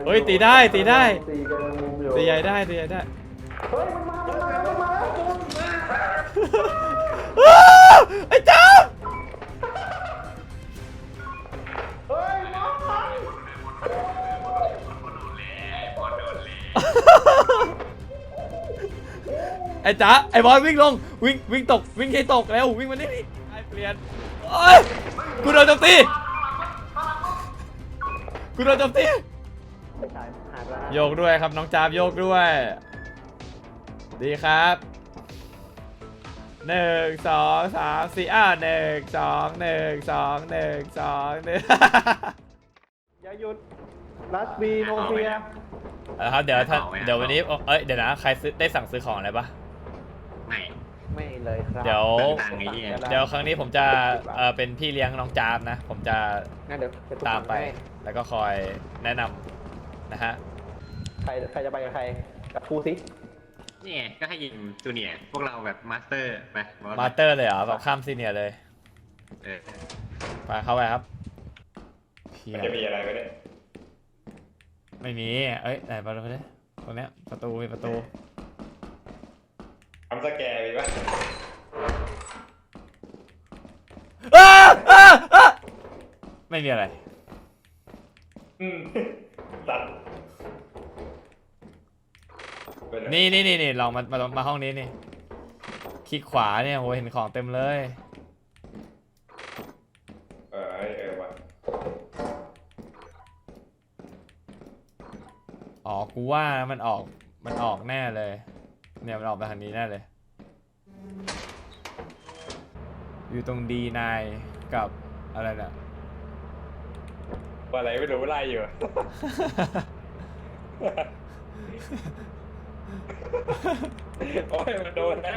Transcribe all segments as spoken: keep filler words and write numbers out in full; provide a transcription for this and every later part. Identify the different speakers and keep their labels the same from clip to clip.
Speaker 1: เฮ้ยตีได้ตีได้
Speaker 2: ตีกันมุมอยู่
Speaker 1: ตีใหญ่ได้ตีใหญ่ได้
Speaker 2: เฮ้ยมันมามันมามันมา
Speaker 1: ไอ้จ้า
Speaker 2: เฮ้ยมา
Speaker 1: ไอ้จ้าไอ้บอลวิ่งลงวิ่งวิ่งตกวิ่งให้ตกแล้ววิ่งมานี่ไอ้เปลี่ยนโอ้ยกูโดนโจมตีกูโดนโจมตีโยกด้วยครับน้องจามโยกด้วยดีครับหนึ่งสองสามสี่อ้าวหนึ่งสองหนึ่งสองหนึ่งสองหนึ่ง
Speaker 2: อย่าหยุดรัสบีโนเฟีย
Speaker 1: นะครับเดี๋ยวท่านเดี๋ยววันนี้เอ้ยเดี๋ยวนะใครซื้อได้สั่งซื้อของอะไรปะ
Speaker 3: ไม่
Speaker 2: ไม่เลยครับ
Speaker 1: เดี๋ยว
Speaker 3: ตังค์ไอ้เนี่ย
Speaker 1: เดี๋ยวครั้งนี้ผมจะเออเป็นพี่เลี้ยงน้องจามนะผมจะ
Speaker 2: งั้นเดี๋ยวจะ
Speaker 1: ตามไปแล้วก็คอยแนะนำนะฮะ
Speaker 2: ใครใครจะไปกับใครกับครูสิ
Speaker 3: นี่ไงก็ให้ยิงจูเนียร์พวกเราแบบมาสเตอร์ไปบอส
Speaker 1: มาสเตอร์เลยเหรอแบบข้ามซีเนียร์เลย
Speaker 3: เออ
Speaker 1: ไปเข้าไปครับเพีย
Speaker 4: มันจะมีอะไรไหมเนี่ย
Speaker 1: ไม่มีเอ้ยไหนประตูเนี่ยตรงเนี้ยประตูมีประตู
Speaker 4: ทำสแกร์มีปะ
Speaker 1: อ้าอ้าอ้าไม่มีอะไร
Speaker 4: อืมสัตว์เป็นไร
Speaker 1: นี่นี่นี่นี่ลองมามามาห้องนี้นี่คลิกขวาเนี่ยโหเห็นของเต็มเลย
Speaker 4: เออเออว่ะ
Speaker 1: อ๋อกูว่ามันออกมันออกแน่เลยเนี่ยมันออกไปทางนี้แน่เลยอยู่ตรงดีนายกับอะไรเนี่ย
Speaker 4: ว่าอะไรไม่รู้ไล่อยู่ โอ้ยมันโดนแล้ว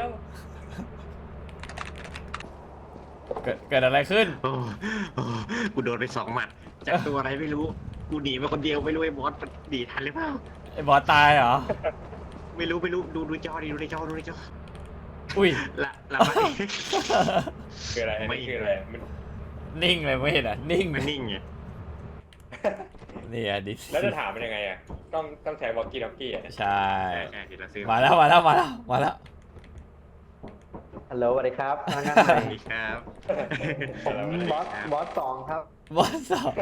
Speaker 1: เกิดเกิดอะไรขึ้น
Speaker 3: โอ้โอ้กูโดนไปสองหมัดจากตัวอะไรไม่รู้กูหนีมาคนเดียวไม่รู้ไอ้บอสมันหนีทันหรือเปล่า
Speaker 1: ไอ้บอสตายเหรอ
Speaker 3: ไม่รู้ไม่รู้ดูดูจอดิดูในจอดูในจอ
Speaker 1: อุ้ย
Speaker 3: ละละไม่
Speaker 4: คืออะไรอัน
Speaker 3: ไม่
Speaker 4: นี่คืออะไรมัน
Speaker 1: นิ่งเลยไม่เห็นอ่ะนิ่ง
Speaker 3: มันนิ่งไง
Speaker 1: นี่อ่ะดิ
Speaker 4: แล้วจะถามมันยังไงอ่ะต้องต้องใช้วอกกี้ด็อกกี้อ่ะ
Speaker 1: ใช่
Speaker 3: ใช่เดี๋ยวเราซื้อ
Speaker 1: มาแล้วมาแล้วมาแล้วมาแล้ว
Speaker 2: ฮัลโหลสวัสดีครับพนักงาน
Speaker 3: ส
Speaker 2: ใหม่
Speaker 3: วัสดีครับ
Speaker 2: ผมบอสบอสสองครับ
Speaker 1: บอสสอง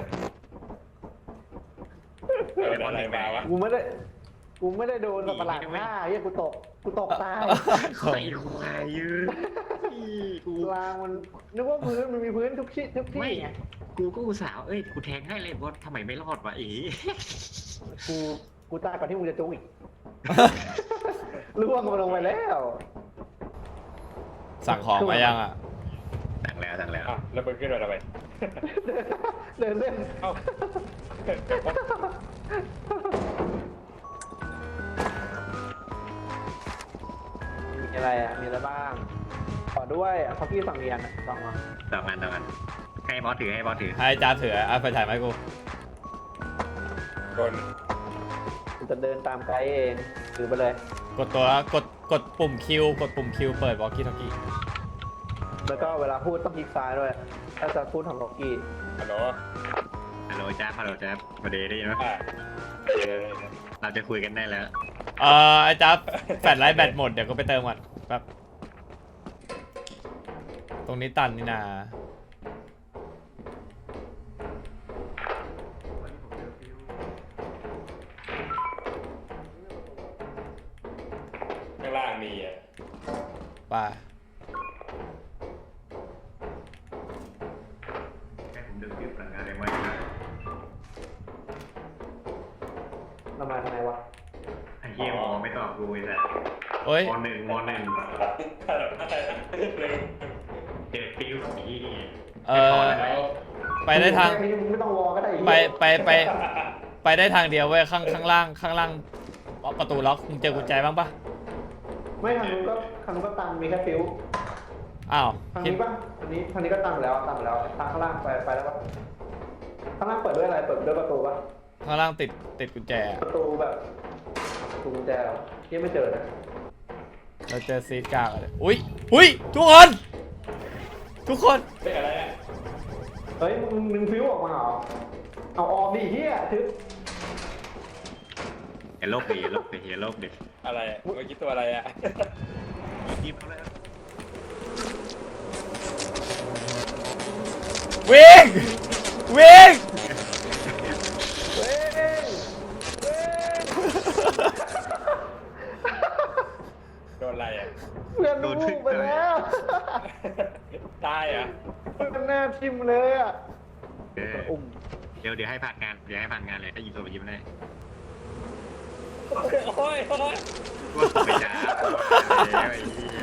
Speaker 4: เอออะไรมาวะ
Speaker 2: กูไม่ได้กูไม่ได้โดนสัตว์ประหลาดฆ่าเฮียกูตกกูตกตาย
Speaker 3: ไอ้ควายยืนกู
Speaker 2: กลางมันนึกว่าพื้นมันมีพื้นทุกที่ทุกที่
Speaker 3: ไม่
Speaker 2: ไง
Speaker 3: กูก็อุตส่าห์เอ้ยกูแทงให้เลยบอสทำไมไม่รอดวะอี
Speaker 2: กูกูตายก่อนที่มึงจะจุกอีกล่วงมาลงไปแล้ว
Speaker 1: สั่งของมายังอ่ะ
Speaker 3: สั่งแล้วสั่งแล้ว
Speaker 4: อ่ะแล้วมึงขึ้นมาทำไม
Speaker 2: เดินเล่น
Speaker 4: เอ้า
Speaker 2: มีอะไรอ่ะมีอะไรบ้างขอด้วยเขาพี่สั่งเรียนอ่ะสั่งมา
Speaker 3: ต่อกันต่อกันให้บอสถือให้บอสถือ
Speaker 1: ให้จานถืออ่ะไปถ่ายไหมกู
Speaker 4: คน
Speaker 2: กูจะเดินตามไกด์เองถือไปเลย
Speaker 1: กดตัวกดกดปุ่มคิวกดปุ่มคิวเปิดวอลกี้ทอกี้
Speaker 2: แล้วก็เวลาพูดต้องคลิกซ้ายด้วยถ้าจะพูดของล็อกกี้
Speaker 4: ฮัลโหล
Speaker 3: ฮัลโหลจ้าฮัลโหลจ้ามาเดย์ได้ยินไหม
Speaker 4: อ่ะเดี๋ยว
Speaker 3: เราจะคุยกันได้แล้ว
Speaker 1: เอ่อไอ้จับแฟลชไลท์แบตหมดเดี๋ยวก็ไปเติมก่อนแป๊บตรงนี้ตันนี่นา
Speaker 4: ข้างล่างมีอ่ะ
Speaker 1: ไป
Speaker 3: แค่ผมดูคลิปหลังงานเองไว้
Speaker 2: มามาทำไมวะ
Speaker 3: ไอ้เหี้ยมองไม่ตอบกูไอ้สัส
Speaker 1: โอ้ย
Speaker 3: มหนึ่งมหนึ่งเด็กฟิวสี
Speaker 1: เออไปได้ทาง
Speaker 2: แค่นี้มึงไม่ต้องวอก็ได้อีก
Speaker 1: ไปไปไปไปได้ทางเดียวเว้ยข้างข้างล่างข้างล่างประตูล็อกมึงเจอกุญแจบ้างปะ
Speaker 2: ไม่ทางนู้นก็ทางนู้นก็ตันมีแค่ฟิว
Speaker 1: อ้าว
Speaker 2: ทาง
Speaker 1: คิด
Speaker 2: นี้ปะทางนี้ทางนี้ก็ตันแล้วตันแล้วทางข้างล่างไปไปแล้วปะข้างล่างเปิดด้วยอะไรเปิดด้วยประตูปะ
Speaker 1: ข้างล่างติดติดกุญแจ
Speaker 2: ประตูแบบประตูกุญแจเหรอยังไม่เจอนะ
Speaker 1: เราเจอซีดกลางเลยอุ้ยอุ้ยทุกคนทุกคน
Speaker 4: เป็นอะไรอ่ะ
Speaker 2: เฮ้ยมึงมึงฟิวออกมาเหรอเอาออกดิเฮียทึบ
Speaker 3: อย่าโลกดิอย่าโลกดิอย่าโลกดิ
Speaker 4: อะไรเมื่อกี้ตัวอะไรอ่ะ
Speaker 3: ยิบเอาเลย
Speaker 1: วิ่งวิ่ง
Speaker 2: เว้ยเว้ย
Speaker 4: โดนอะไรอ่ะ
Speaker 2: เพื่อนลูกไปแล้ว
Speaker 4: ตายอ่ะ
Speaker 2: เพื่อนหน้าทิ่มเลยอ่ะ
Speaker 3: เออ
Speaker 2: อุ้ม
Speaker 3: เดี๋ยวเดี๋ยวให้ผ่านงานเดี๋ยวให้ผ่านงานเลยถ้ายิงตัวไปยิงได้
Speaker 4: โอ้ยโอ้ย
Speaker 3: ว่าไปจ้าแล้วไอ้เหี้ย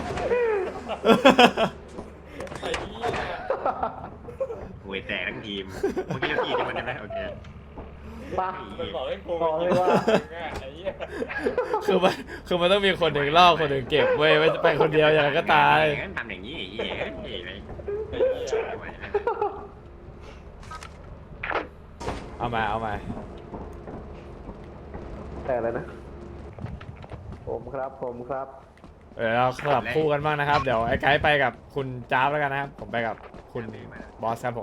Speaker 4: ไอ้เหี้ย
Speaker 3: โวยแตกทั้งทีมเมื่อกี้เราขี่ที่มันได้ไหมโอเค
Speaker 2: ปะ
Speaker 4: มันบอกให้กู
Speaker 2: บอกเลยว่า
Speaker 4: ไอ้เหี้ย
Speaker 1: คือมันคือมันต้องมีคนหนึ่งล่อคนหนึ่งเก็บเว้ยไม่ไปคนเดียวอย่างนั้นก็ตาย
Speaker 3: งั้นทำอย่างนี้ไอ้เหี้ยเฮ้ยไอ้
Speaker 4: ไอ้เหี้ย
Speaker 3: ไม่ไหวนะ
Speaker 1: เอามาเอามา
Speaker 2: แต่อะไรนะ ผมครับผมครับ
Speaker 1: เออเราสลับคู่กันบ้างนะครับ เดี๋ยวไอ้ไกด์ไปกับคุณจ้าบแล้วกันนะครับ ผมไปกับคุณบอสครับผม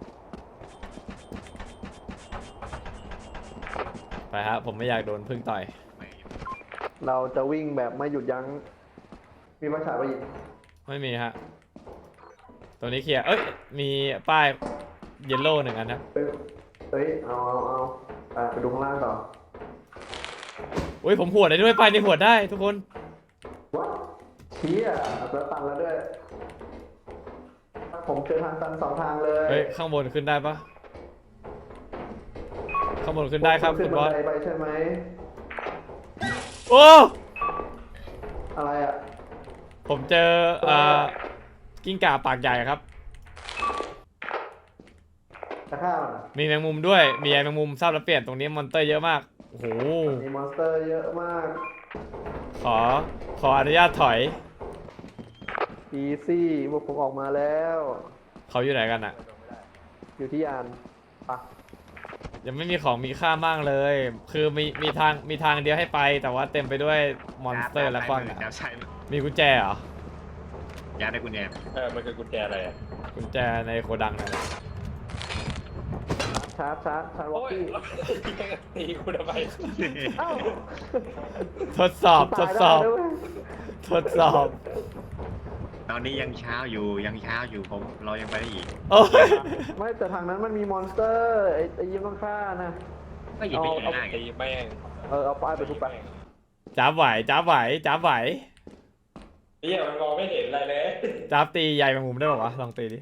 Speaker 1: ไปครับผมไม่อยากโดนพึ่งต่อย
Speaker 2: เราจะวิ่งแบบไม่หยุดยั้ง มีภาษาไปอีก
Speaker 1: ไม่มีฮะตัวนี้เคลียร์เอ้ยมีป้ายเยลโล่หนึ่งอันนะ
Speaker 2: เฮ้ยเฮ้ย เอาเอาเอาอ่ะไปดูข้างล่างต่อ
Speaker 1: อุ้ยผมหวดได้ด้วยป้ายนี้หวดได้ทุกคน
Speaker 2: วัดเชี้อ่ะแล้วตันแล้วด้วย ผมเจอทางตันสองทางเลย
Speaker 1: เฮ้ยข้างบนขึ้นได้ปะข้างบนขึ้นได้ครับ
Speaker 2: ขึ้
Speaker 1: คุ
Speaker 2: น
Speaker 1: ณ
Speaker 2: บั
Speaker 1: บอน ส
Speaker 2: ไดไปใช่ไหม
Speaker 1: โอ้
Speaker 2: อะไรอ่ะ
Speaker 1: ผมเจอเอ่อกิ้งก่าปากใหญ่ครับ
Speaker 2: จะฆ่ามันอ่ะ
Speaker 1: มีแมงมุมด้วยมีไอ้แมงมุมทราบแล้วเปลี่ยนตรงนี้มอนเตอร์เยอะมากโอ้โห
Speaker 2: มีมอนสเตอร์เยอะมาก
Speaker 1: ขอขออนุญาตถอย
Speaker 2: อีซี่พวกผมออกมาแล้ว
Speaker 1: เขาอยู่ไหนกันอะ
Speaker 2: อยู่ที่ยานปะ
Speaker 1: ยังไม่มีของมีค่ามากเลย คือมีมีทางมีทางเดียวให้ไป แต่ว่าเต็มไปด้วยมอนสเตอร์และกว้าง
Speaker 3: จ้าใช่
Speaker 1: มีกุญแจเหรอ
Speaker 3: ยาได้กุญแจ
Speaker 4: เออมันคือกุญแจอะไรอ่ะ
Speaker 1: กุญแจในโกดังนั่นแหละ
Speaker 2: ชาร์จชาร์จชาร์จวอ
Speaker 4: โอ้
Speaker 2: ก
Speaker 4: ย
Speaker 2: กี้
Speaker 4: ตีกูทำไม
Speaker 2: เอ้า
Speaker 1: ทดสอบทดสอบ
Speaker 2: ตายได้ด้วย
Speaker 1: ทดสอบ
Speaker 3: ตอนนี้ยังเช้าอยู่ยังเช้าอยู่ผมเรายังไปได้อีก
Speaker 1: โอ้ย
Speaker 2: ไม่แต่ทางนั้นมันมีมอนสเตอร์ไอ้ไอ้ยิ้มต้องฆ่านะ
Speaker 3: ก็หยิบไปง่าย
Speaker 4: ตีแม่ง
Speaker 2: เออเอาป้ายไปทุบไป
Speaker 1: จ้าบไหวจ้าบไหวจ้าบไหว
Speaker 4: เหี้ยมันมองไม่เห็นอะไรเลย
Speaker 1: จ้าบตีใหญ่แมงมุมได้ป่าวะลองตีดิ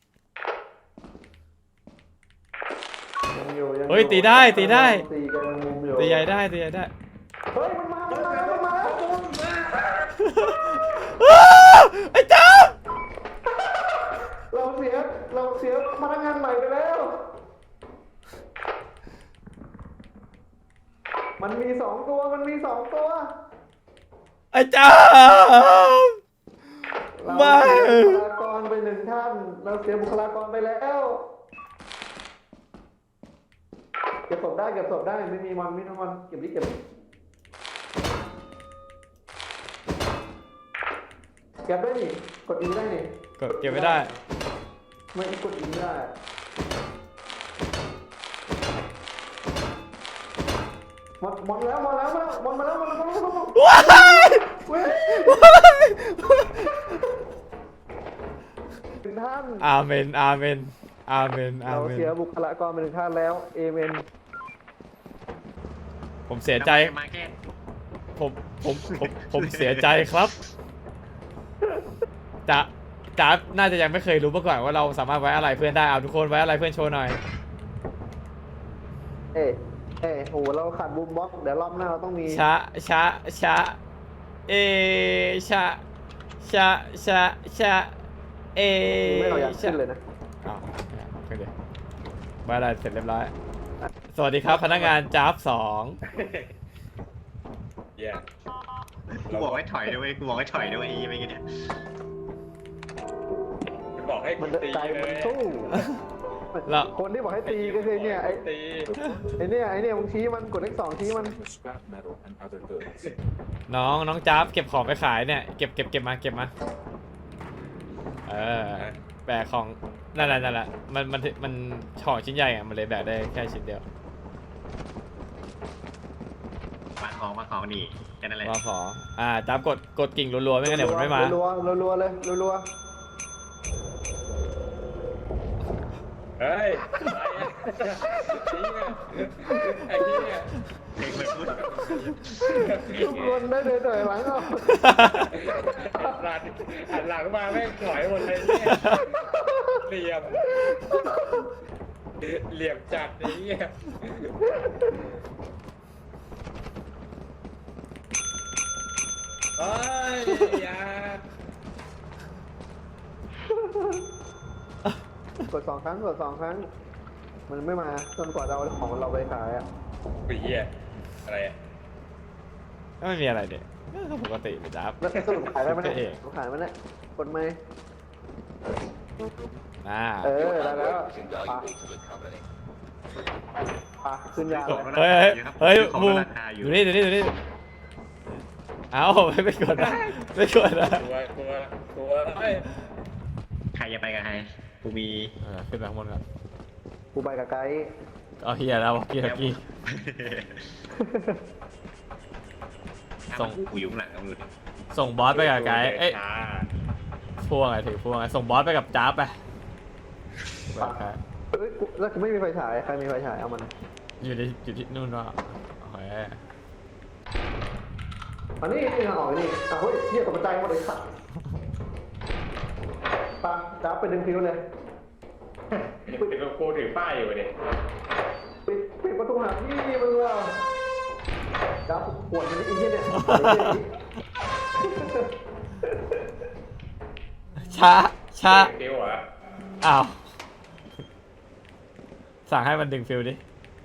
Speaker 2: ยังอยู่ยังอ
Speaker 1: เฮ้ยตีได้ตีได้
Speaker 2: ตีกันมุมอยู่
Speaker 1: ตีใหญ่ได้ตีใหญ่ได้
Speaker 2: เฮ้ยมันมามันมามันมาแล้วมันมา
Speaker 1: อ้าวไอ้จ้าบ
Speaker 2: เราเสียเราเสียพนักงานใหม่ไปแล้ว มันมีสองตัวมันมีสองตัว
Speaker 1: ไอ้จ้าบ
Speaker 2: เรา
Speaker 1: ไม่
Speaker 2: เสียบุคลากรไปหนึ่งท่าน เราเสียบุคลากรไปแล้วเก็บศพได้เก็บศพได้ไม่มีมันไม่มีมันเก็บดิเก็บดิเก็บได้นี่กดอีได้นี่
Speaker 1: กดเก็บไม่ได้
Speaker 2: ไม่กดอีไม่ได้หมดหมดแล้วหมดแล้วหมดแล้วหมดแล้วหมดแล้วหมดแล้วหมดแล้ว
Speaker 1: ว้าย
Speaker 2: เว้ย
Speaker 1: ว้าย
Speaker 2: ถึงท่าน
Speaker 1: อาเมนอาเมนอาเมนอา
Speaker 2: เรา
Speaker 1: เมน
Speaker 2: เสียบุคลากรไปหนึ่งท่านแล้วเอเมน
Speaker 1: ผมเสียใจ
Speaker 3: มาแค่
Speaker 1: ผมผมผมผมเสียใจครับจะจ๊าบน่าจะยังไม่เคยรู้มาก่อนว่าเราสามารถไว้อะไรเพื่อนได้เอาทุกคนไว้อะไรเพื่อนโชว์หน่อย
Speaker 2: เอ้เอ้โหเราขาดบูมบ็อกซ์เดี๋ยวรอบหน้าเราต้องมี
Speaker 1: ชะชะชะเอชะชะชะชะเอ
Speaker 2: ไม่เอาอยาก
Speaker 1: ชะ
Speaker 2: ขึ้นเลยนะ
Speaker 1: อ้าวขึ้นดิไว้อะไรเสร็จเรียบร้อยสวัสดีครับพนักงานจ๊าบสอง
Speaker 4: เหี้ย
Speaker 3: กูบอกให้ถอยด้วยกูบอกให้ถอยด้วยไอ้ไม่กี่เนี่ย
Speaker 4: มันบอกให้
Speaker 2: มัน
Speaker 4: ตี
Speaker 2: ใจ
Speaker 4: เล
Speaker 2: มัน
Speaker 4: ย
Speaker 2: สู้
Speaker 1: แล้ว
Speaker 2: คนที่บอกให้ตีก็คือเนี่ยไอ้
Speaker 4: ตี
Speaker 2: ไอ้เนี่ยไอ้เนี่ยมึงชี้มันกดเลขสองชี้มัน
Speaker 5: scrap metal and other goods.
Speaker 1: น้องน้องจ๊าบเก็บของไปขายเนี่ยเก็บเก็บเก็บมาเก็บมาเออแบกของนั่นแหละนั่นแหละมันมันมันของชิ้นใหญ่อะมันเลยแบกได้แค่ชิ้นเดียว
Speaker 3: มาของนี่แค่นั้นแหละ
Speaker 1: มาขออ่าจับกดกดกิ่งรัวๆไม่งั้นเดี๋ยวมันไม่มา
Speaker 2: รัวๆรัวๆเลยรัว
Speaker 4: เฮ้ยไอ้เหี้ย
Speaker 3: เพลงมันพูด
Speaker 2: ๆทุกคนได้เลยถอยหลังเอา
Speaker 4: หลังหันหลังมาแม่งถอยหมดเลยเนี่ยเหลี่ยมเหลี่ยมจัดไอ้เหี้ยเฮ้ยอย่าก
Speaker 2: ดสองครั้งกดสองครั้ง มันไม่มาจนกว่าเราเอาของเราไปขายอ่ะ
Speaker 4: ไอ้เหี้ยอะไรอ่ะ
Speaker 1: ก็ไม่มีอะไรเด็กก็ปกติเลยจับ
Speaker 2: แล้วสรุปขายได้ไหม
Speaker 1: เอ
Speaker 2: เนี่ย
Speaker 1: ง
Speaker 2: ขายไหมเนี่ยกดไหม
Speaker 1: อ่า
Speaker 2: เออได้แล้วปะปะขึ้นยาเลย
Speaker 1: เฮ้ยเฮ้ย
Speaker 3: ของ
Speaker 1: มู
Speaker 3: ราคาอยู่
Speaker 1: ดูนี่ดูนี่ดูนี่เอาไม่ไปกดนะไม่กดนะ
Speaker 4: กลัวกลัวกลัวเฮ้ย
Speaker 3: ใครจะไปกับใครกูมี
Speaker 1: เออขึ้นไปข้างบนก่อน
Speaker 2: กูไปกับไกด์
Speaker 1: เอาเฮียแล้วกี้ตะกี้ ส่ง
Speaker 3: กูอยู่ข้างหลังเอาดูดิ
Speaker 1: ส่งบอสไปกับไกด์เอ้ย
Speaker 4: ช้า
Speaker 1: พวงไงถือพวงไงส่งบอสไปกับจ้าบไปไปกับใคร
Speaker 2: เอ้ยกูแล้วกูไม่มีไฟฉายใครมีไฟฉายเอามัน
Speaker 1: อยู่ที่อยู่ที่นู่นวะโอเค
Speaker 2: อันนี้นี่ทางออกนี่อ่ะเฮ้ยเหี้ยตกใจหมดเลยสัตว์ปะจ้าบไปดึงฟิวเลย
Speaker 4: เดี๋ยวกูถือป้ายอยู่ดิ
Speaker 2: ปิดปิดประตูหาพี่มึงว่ะจ้าบปวดมันไอ้เหี้ยเนี่ย
Speaker 1: ช้าช้า
Speaker 4: เดี๋ยวเหรอ
Speaker 1: อ้าวสั่งให้มันดึงฟิลดิ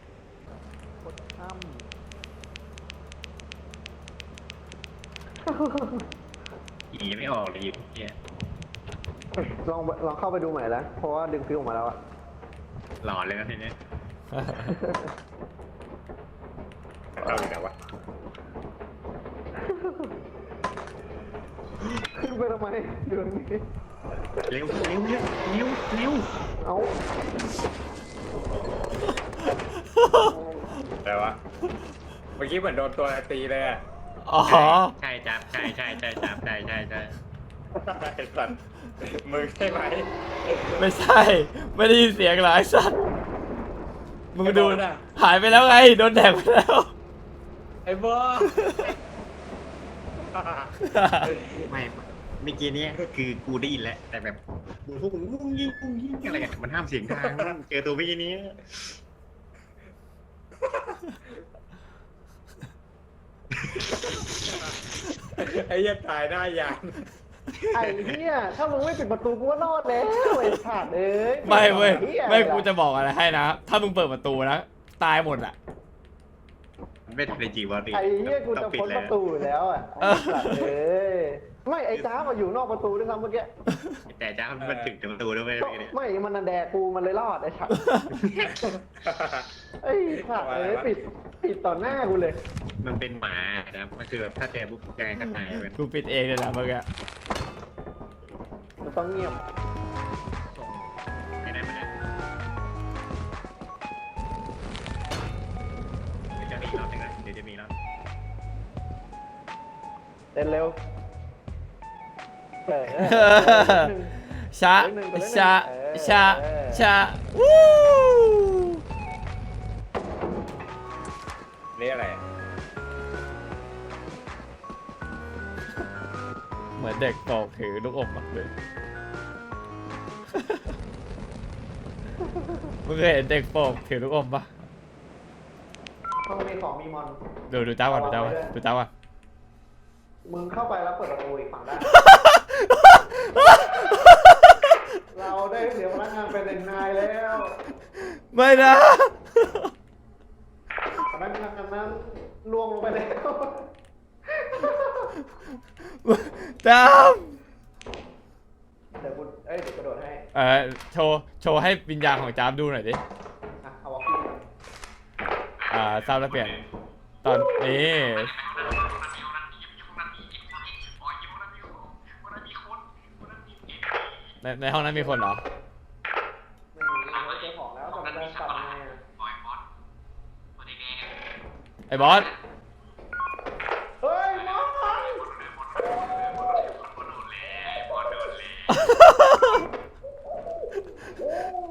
Speaker 3: อีไม่ออกเลยอยู่เนี่ย
Speaker 2: ลองลองเข้าไปดูใหม่แล้วเพราะว่าดึงฟิวออกมาแล้วอะ
Speaker 3: หลอนเลยนะทีนี้
Speaker 4: เข้าอยู่ไหนวะ
Speaker 2: ขึ้นไปทำไมอยู่ตรงนี้
Speaker 3: เร็วเร็วเร็วเร็วเร็ว
Speaker 2: เอา
Speaker 4: อะไรวะเมื่อกี้เหมือนโดนตัวตีเลยอ่ะ
Speaker 1: อ๋อ
Speaker 3: ใช่จับใช่ใช่ใช่จับใช่ใช่ใช่
Speaker 4: ไอ้สัตว์มึงใช่ไหม
Speaker 1: ไม่ใช่ ไม่ได้ยินเสียงหรอไอ้สัตว์มึงดู
Speaker 4: ไอ้บอสอะ
Speaker 1: หายไปแล้วไงโดนแดกไปแล้ว
Speaker 4: ไอ้บอส
Speaker 3: ไม่เมื่อกี้เนี้ยคือกูได้ยินแล้วแต่แบบมึงพวกมึงกุ้งยิงกุ้งยิงอะไรกันมันห้ามเสียงดังเจอตัวเมื่อกี้นี้
Speaker 4: ไอ้เหี้ยันตายหน้ายาน
Speaker 2: ไอ้เหี้ยถ้ามึงไม่ปิดประตูกูก็รอดแล้วไอ้ขาดเอ้ย
Speaker 1: ไม่เว้ย
Speaker 2: หี้
Speaker 1: ไม่กูจะบอกอะไรให้นะ ถ้ามึงเปิดประตูนะตายหมดอ่ะ
Speaker 3: มันไม่ทันได้จริงวะดิ
Speaker 2: ไอ้เหี้ยกูจะพ้นประตูอยู่แล้วอ่ะไอ้ขาดเอ้ยไม่ไอ้จ้ามาอยู่นอกประตูด้วยซ้ำเมื่อกี้
Speaker 3: แต่จ้ามันถึงประตูด้วยไหม
Speaker 2: ก็
Speaker 3: เนี่ย
Speaker 2: ไม่มันนันแดกกูมันเลยรอดไอ้ขาดไอ้ขาดเอ้ยปิดปิดต่อหน้ากูเลย
Speaker 3: มันเป็นหมานะมันคือแบบถ้าเจอปุ๊บยังไงก็ตายเป็น
Speaker 1: กูปิดเองเลยนะเมื่อกี้
Speaker 2: มันต้องเงียบ
Speaker 3: ไม่ได้ไม่ได้เดี๋ยวจะมีรอบหนึ่งนะเดี๋ยวจะมีรอบ
Speaker 2: เต้นเร็วเออ
Speaker 1: ชะชะชะชะวู้
Speaker 4: นี่อะไรอะ
Speaker 1: เหมือนเด็กตอกถือลูกอมมากเลย มึงเคยเห็นเด็กโปกถือลูกอมปะ
Speaker 2: ห้องมีของมีมอน
Speaker 1: ดูดูเจ้าก่อนดูเจ้าก่อนดูเจ้าก่อน
Speaker 2: มึงเข้าไปแล้วเปิดประตูอีกฝั่งได้ เราได้เสียพนักงานเป็นหนึ่งนายแล้ว
Speaker 1: ไม่นะ
Speaker 2: พนักงานนั้นล่วงลงไปแล้ว
Speaker 1: จาม
Speaker 2: เดี๋ยวกูเอ้ยเดี๋ยวกระโดดให้
Speaker 1: เออโชว์โชว์ให้วิญญาณของจามดูหน่อยดิ
Speaker 2: อ่ะเอาวอลกี้ก่อน
Speaker 1: อ่าทราบแล้วเปลี่ยน ตอนนี้ในในห้องนั้นมีคนเหรอ
Speaker 2: ไม่มีไม่เจอของแล้วแต่มันจะกลับมาไงอ่ะ
Speaker 1: ไอ้บอส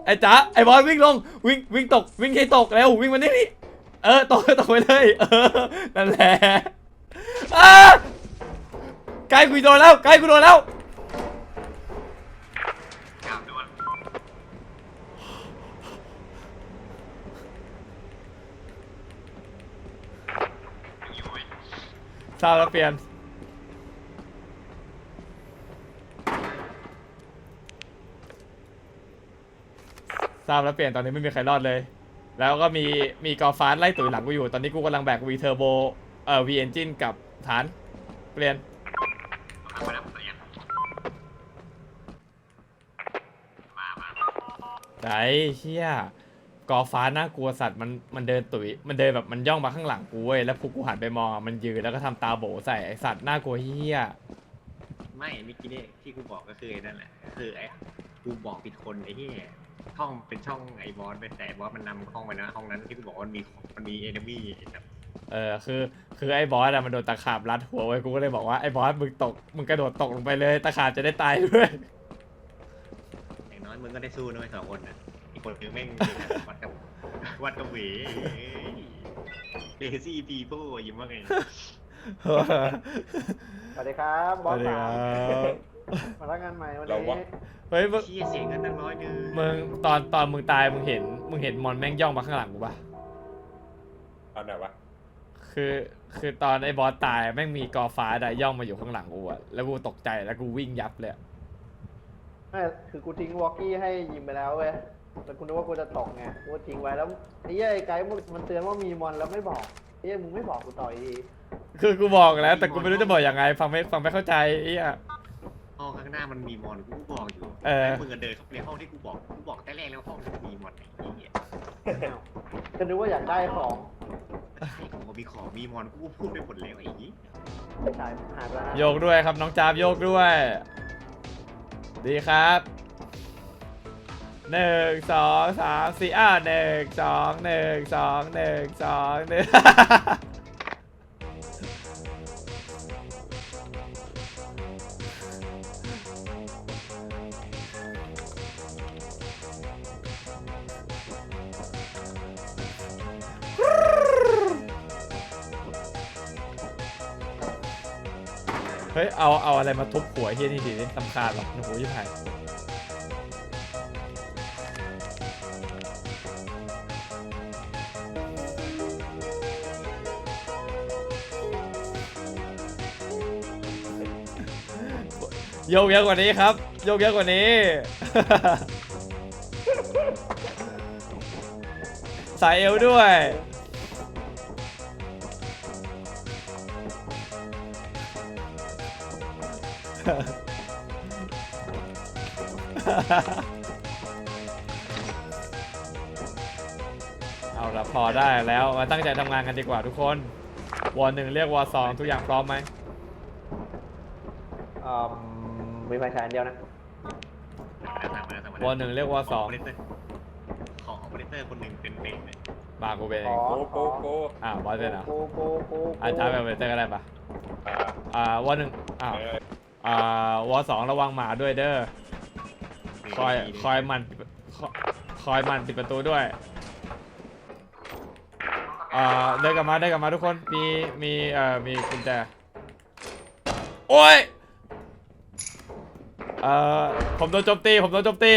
Speaker 1: ไอ้จ๋าไอ้บอลวิ่งลงวิ่งวิ่งตกวิ่งให้ตกเร็ววิ่งมานี่นี่เออตกตกไปเลยเออนั่นแหละอ้าไกลกูโดนแล้วไกลกูโดนแล้วทราบแล้วเปลี่ยนทราบแล้วเปลี่ยนตอนนี้ไม่มีใครรอดเลย แล้วก็มีมีกอล์ฟฟาสไล่ตุ๋ยหลังกูอยู่ตอนนี้กูกำลังแบกวีเทอร์โบเอ่อวีเอนจินกับฐานเปลี่ยนไหนเชี่ยกอล์ฟฟาสน่ากลัวสัตว์มันมันเดินตุ๋ยมันเดินแบบมันย่องมาข้างหลังกูเว้ยแล้วพวกกูหันไปมองอ่ะมันยืนแล้วก็ทำตาโบใส่ไอสัตว์น่ากลัวเฮี้ย
Speaker 3: ไม่เมื่อกี้นี่ที่กูบอกก็คือไอ้นั่นแหละคือไอ้กูบอกผิดคนไอ้ที่ช่องเป็นช่องไอ้บอสไปแต่บอสมันนำห้องไปนะห้องนั้นที่กูบอกว่ามันมีมันมีเอเนมี่แบบ
Speaker 1: เออคือคือไอ้บอสอะมันโดนตะขาบรัดหัวไว้กูก็เลยบอกว่าไอ้บอสมึงตกมึงกระโดดตกลงไปเลยตะขาบจะได้ตายด้วย
Speaker 3: อย่างน้อยมึงก็ได้สู้นะไอ้สองคนน่ะอีกคนคือแม่งวัดกับวัดกับเหวเลซี่ปีโป้ยิ้มว่าไง
Speaker 2: สวัสดีครับบอส
Speaker 1: สวัสดี
Speaker 2: สา
Speaker 1: ครั
Speaker 2: ม
Speaker 1: บ
Speaker 2: มารับงานใหม่วัน
Speaker 4: เรา
Speaker 2: นี้
Speaker 4: วะ
Speaker 1: เฮ้ยมึง
Speaker 3: เชี่ยเสียงกันตั้งร้อยเดือน
Speaker 1: มึงตอนตอนมึงตายมึงเห็นมึงเห็นมอนแม่งย่องมาข้างหลังกูปะ
Speaker 4: เอาไหนวะ
Speaker 1: คือคือตอนไอ้บอสตายแม่งมีกอฟ้าอะย่องมาอยู่ข้างหลังกูอะแล้วกูตกใจแล้วกูวิ่งยับเลยอะ
Speaker 2: ไม่คือกูทิ้งวอกกี้ให้ยิมไปแล้วเว้ยแต่กูนึกว่ากูจะตกไงกูก็ทิ้งไว้แล้วไอ้เหี้ยไอ้ไกด์มันเตือนว่ามีมอนแล้วไม่บอกไอ้เหี้ยมึงไม่บอกกูต่อยดี
Speaker 1: คือกูบอกแล้วแต่กูไม่รู้จะบอกยังไงฟังไม่ฟังไม่เข้าใจไอ้เหี้ย
Speaker 3: ห้องข้างหน้ามันมีมอนกูบอกอยู่
Speaker 1: เออ
Speaker 3: มึงเดินเข้าไปในห้องที่กูบอกกูบอกแต่แรกแล้วห้องมันมีมอนไอ้เหี้ย
Speaker 2: ก็นึกว่าอยากได้ของ
Speaker 3: ใช่ผมก็มีของมีมอนกูพูดไปหมดแล้วไอ้ยี่
Speaker 2: ไม่ใช่หายไปแล้ว
Speaker 1: โยกด้วยครับน้องจาบโยกด้วย ดีครับหนึ่งสองสามสี่อ่าหนึ่งสองหนึ่งสองหนึ่งสองหนึ่ง เฮ้ยเอาเอาอะไรมาทุบหัวเฮียนี่ดีนี่สำคัญหรอกโอ้โหยิ่งหายโยกเยอะกว่านี้ครับโยกเยอะกว่านี้ สายเอวด้วย เอาละพอได้แล้วมาตั้งใจทำงานกันดีกว่าทุกคนวอร์หนึ่งเรียกวอร์สองทุกอย่างพร้อมไหม
Speaker 2: อืมมีไฟฉายอันเดียวนะ
Speaker 1: วอร์หนึ่งเรียกวอร์สอง
Speaker 3: ของออเปอเรเตอร์คนหนึ่งเป็นเบนเลย
Speaker 1: บากูเป็น
Speaker 2: อ๋อ
Speaker 4: โกโกโก
Speaker 1: อ่าวอร์เป็นเหรอ
Speaker 2: โกโกโกโก
Speaker 1: อาจารย์เป็นเวเตอร์ก็ได้ปะ
Speaker 4: อ่า
Speaker 1: อ่าวอร์หนึ่งอ้าว
Speaker 4: เออ
Speaker 1: อ่าวอร์สองระวังหมาด้วยเด้อคอยคอยมันคอยคอยมันปิดประตูด้วยอ่าเดินกลับมาเดินกลับมาทุกคนมีมีเอ่อมีกุญแจโอ้ยเอ่อผมโดนโจมตีผมโดนโจมตี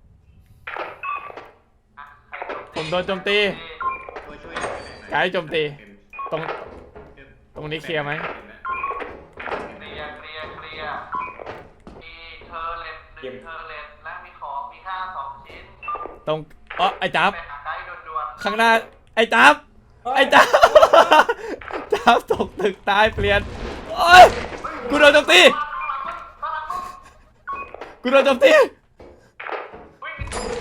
Speaker 1: ผมโดนโจมตี
Speaker 3: ช่วยช่วย
Speaker 1: ไกด์โจมตีตรงตรงนี้เคลียร์ไหม
Speaker 6: เคลียร์เคลียร์เคลียร์มีเทอร์เลตหนึ่งเทอร์เลตและมีของมีค่าสองชิ้น
Speaker 1: ตรงอ๋อไอ้จับ
Speaker 6: ไปหาไกด์ด่วน
Speaker 1: ข้างหน้าไอ้จับไอ้จับ จับตกตึกตายเปลี่ยนโอ้ยกูโดนโจมตี
Speaker 6: ๆข้างหลังมึงข้างหลังมึง
Speaker 1: กูโดนโจมตี
Speaker 6: วิ่ง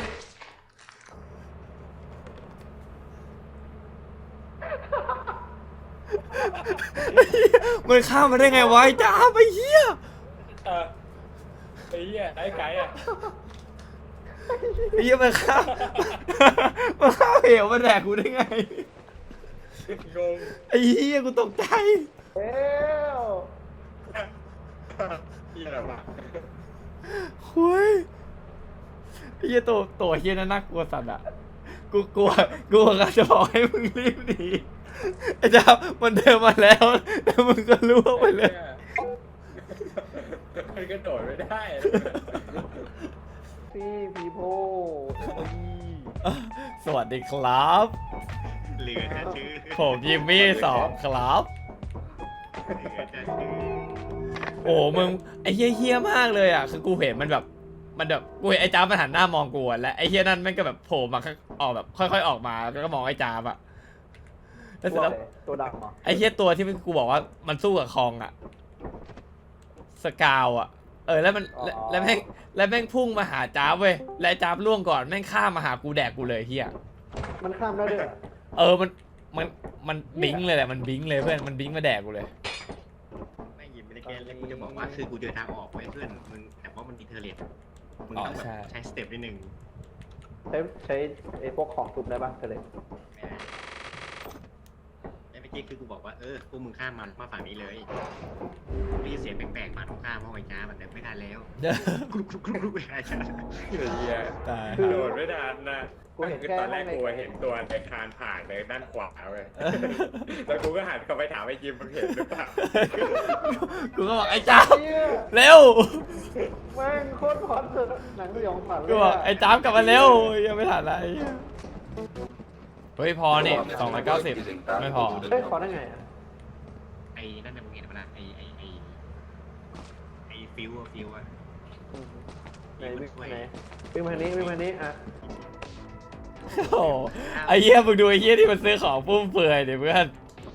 Speaker 1: มันข้ามมาได้ไงวะไอ้จับไอ้เหี้ย
Speaker 4: เออไอ้เหี้ยไอ้ไก่อะ
Speaker 1: ไอ้เหี้ยมันข้ามมันข้ามเหวมาแดกกูได้ไง
Speaker 4: งง
Speaker 1: ไอ้เหี้ยกูตกใจ
Speaker 2: เอ้ว
Speaker 4: เหี้ยอะไรวะ
Speaker 1: คุยไอ้เหี้ยตัวตัวเหี้ยนั่นน่ากลัวสัตว์อ่ะกูกลัวกูกำลังจะบอกให้มึงรีบหนีไอ้จ้ามันเดินมาแล้วแล้วมึงก็ล่วงไปเลย
Speaker 4: มันกระโดดไม่ได้
Speaker 2: พี่พีโพ
Speaker 1: สวัสดีครับ
Speaker 3: เหลือจะชื่อ
Speaker 1: ผมยิมมี่สองครับ
Speaker 3: เหลือจะชื่อ
Speaker 1: โอ้มึงไอ้เฮี้ยเฮี้ยมากเลยอ่ะคือกูเห็นมันแบบมันแบบกูเห็นไอ้จ้ามันหันหน้ามองกูอะและไอ้เฮี้ยนั่นแม่งก็แบบโผล่มาข้างออกแบบค่อยๆออกมาแล้วก็มองไอ้จ้าอะแล้วเสร็จแล้ว
Speaker 2: ตัวดำเหรอ
Speaker 1: ไอ้เฮี้ยตัวที่กูบอกว่ามันสู้กับคองอะสกาวอะเออแล้วมันแล้วแล้วแม่งแล้วแม่งพุ่งมาหาจ้าเว้ยและไอ้จ้าล่วงก่อนแม่งข้ามมาหากูแดกกูเลยเฮี้ย
Speaker 2: มันข้ามได้ด้วยเหรอ
Speaker 1: เออมันมันมันบิงเลยแหละมันบิงเลยเพื่อนมันบิงมาแดกกูเลย
Speaker 3: ไม่ยินไม่ได้แก้แล้วกูจะบอกว่าคือกูเจอทางออกไว้เพื่อนมึงแต่ว่ามันมีเทอร์เลตมึงต้องแบบใช้สเต็ปนิดนึง
Speaker 2: ใช้ใช้ไอ้พวกของทุบได้ป่ะเธอเลย
Speaker 3: ไม่ได้ไอ้เมื่อกี้คือกูบอกว่าเออพวกมึงข้ามมันมาฝั่งนี้เลยรีเสียงแปลกๆมาตรงข้ามห้องไอ้จ้ามันแต่ไม่ทันแล้วกรุบกรุบกรุบกรุบไอ้จ้า
Speaker 4: เหี้ย
Speaker 1: ตาย
Speaker 4: โดดไม่ทันนะ
Speaker 2: กูเห็น
Speaker 4: คือ
Speaker 2: แค่
Speaker 4: ตอนแรก
Speaker 2: ห้อง
Speaker 4: กู
Speaker 2: ใน
Speaker 4: เห็นตัวในคานผ่านในด้านขวาเว้ยแล้วกูก็หันกลับไปถามไอ้ยิมมึงเห็นหรือเปล่า
Speaker 1: กูก็บอกไอ้จ้า
Speaker 2: เหี้ย
Speaker 1: เร็ว
Speaker 2: แม่งโคตรพอดเลยหนังสยองขวัญเลย
Speaker 1: กูบอกไอ้จ้ามกลับมาเร็วยังไม่ทันอะไรเฮ้ยพอนี่สองร้อยเก้าสิบไม่พอ
Speaker 2: เฮ้ยขอได้ไงอ่ะ
Speaker 3: ไอ้นั่นน่ะมึงเห็นปะล่ะไอ้ไอ้ไอ้ไอ้ฟิวอะฟิวอะ
Speaker 2: ไหนวิ่งไหนวิ่งมาทางนี้วิ่งมาทางนี้อ่ะ
Speaker 1: โอ้โหไอ้เหี้ยมึงดูไอ้เหี้ยที่มันซื้อของฟุ่มเฟือยเดี๋ยวเพื่อน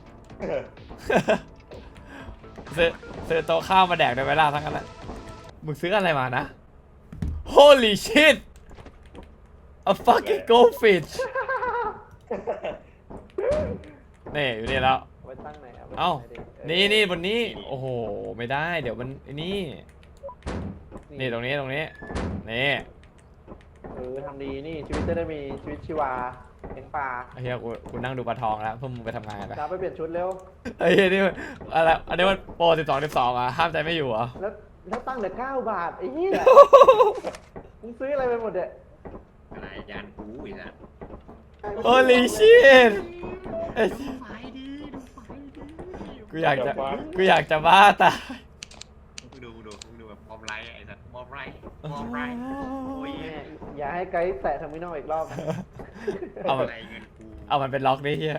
Speaker 1: ซื้อซื้อโต๊ะข้าวมาแดกในเวลาทั้งนั้นแหละมึงซื้ออะไรมานะ Holy shit a fucking goldfish นี่อยู่นี่แล้ว
Speaker 2: เอาไว้ตั้งไหนอ่ะ
Speaker 1: เอ้า
Speaker 2: ไว้ตั้งไห
Speaker 1: นี่นี่บนนี้ โอ้โห ไม่ได้ เดี๋ยวมันไอ้นี่ นี่ตรงนี้ตรงนี้ นี่
Speaker 2: เออทำดีนี่ชีวิตจะได้มีชีวิตชีวาเลี้ยงปลา
Speaker 1: ไอ้เหี้ยกูกูนั่งดูปลาทองแล้วพวกมึงไปทำงานกันไป
Speaker 2: จ้าไปเปลี่ยนชุดเร็ว
Speaker 1: ไอ้เหี้ยนี่มันอะไร อันนี้มันโปรสิบสองสิบสองอ่ะ ห้ามใจไม่อยู่เหรอ
Speaker 2: แล้วแล้วตั้งเหลือเก้าบาทไอ้เหี้ยมึงซื้ออะไรไปหมดเนี่ย
Speaker 3: อะไรยานกูอีกแล้ว
Speaker 1: Holy shit ไอ้
Speaker 3: ดูไฟดีดูไฟดี
Speaker 1: กูอยากจะ กูอยากจะบ้าตาย
Speaker 3: มึงดูดูมึงดูแบบบอมไลท์ไอ้สัตว์บอมไลท์บอมไลท์โอ้ย
Speaker 2: แม่อย่าให้ไกด์แตะเทอร์มินอลอีกรอบ
Speaker 1: เอามัน
Speaker 3: อะไรเงินกู
Speaker 1: เอามันเป็นล็อกดิเฮีย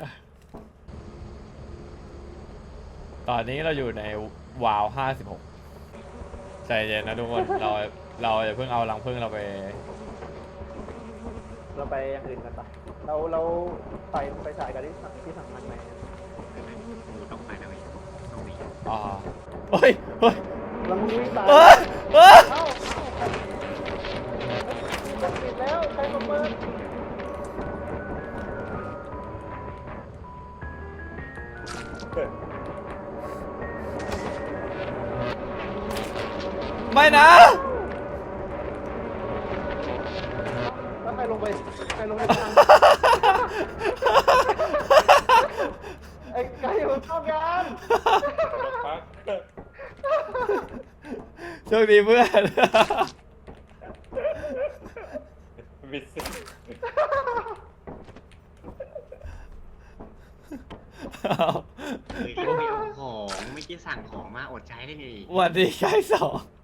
Speaker 1: ตอนนี้เราอยู่ในวาวห้าสิบหกใจเย็นนะทุกคน เรา เราอย่าเพิ่งเอารังพึ่งเราไป
Speaker 2: เราไปอย่างอื่นกันปะเราเราไปไปฉายกันที่สั่งที่สั่งมันไหม
Speaker 3: กูต้องไปนะเว้ยต้องหนี
Speaker 1: อ๋อเฮ้ย เฮ้ย
Speaker 2: แล้วมึงวิ่งตาม
Speaker 1: เอ้ยเอ้ย
Speaker 2: เอ้าจะปิดแล้วใครมาเปิด
Speaker 1: ไม่นะ
Speaker 2: แล้วใครลงไปใครลงไปทางไอ้ไก่มันเข้างาน
Speaker 4: พัก
Speaker 1: โชคดีเพื่อน
Speaker 4: บิดสิ
Speaker 1: เอา
Speaker 3: เฮ้ยเราไม่เอาของไม่อกี้สั่งของมาอดใจได้ไง
Speaker 1: สวัสดีไกด์สอง